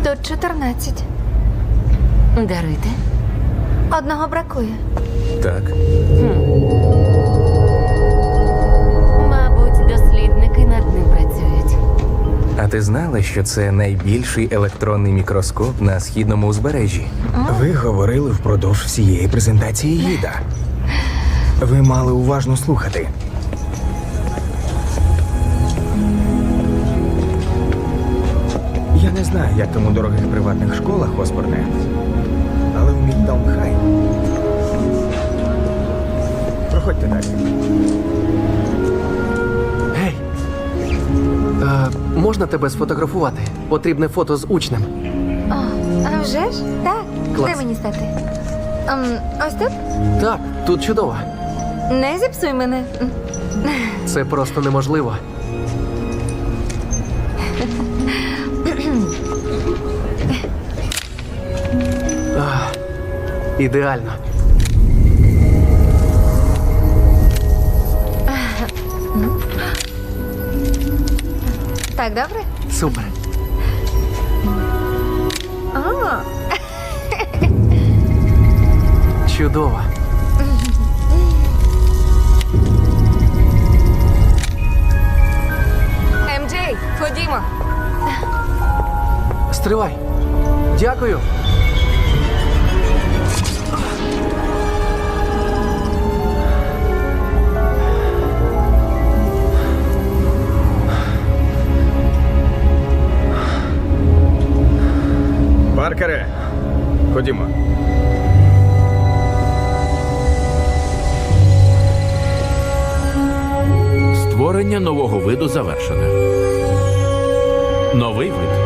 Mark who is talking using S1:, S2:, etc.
S1: Тут 14.
S2: Даруйте.
S1: Одного бракує.
S3: Так.
S2: Мабуть, дослідники над ним працюють.
S3: А ти знала, що це найбільший електронний мікроскоп на східному узбережжі?
S4: Ви говорили впродовж всієї презентації гіда. Ви мали уважно слухати. Я не знаю, як там у дорогих приватних школах, Осборне, але у Мідтаун Хай. Проходьте далі.
S5: Гей! Можна тебе сфотографувати? Потрібне фото з учнем.
S1: О, а вже ж? Так.
S5: Клас.
S1: Де мені стати? Ось тут?
S5: Так, тут чудово.
S1: Не зіпсуй мене.
S5: Це просто неможливо. Ідеально.
S1: Так, добре?
S5: Супер.
S1: О,
S5: Чудово.
S1: МД, ходімо.
S5: Стривай. Дякую.
S4: Паркере, ходімо.
S6: Створення нового виду завершено. Новий вид.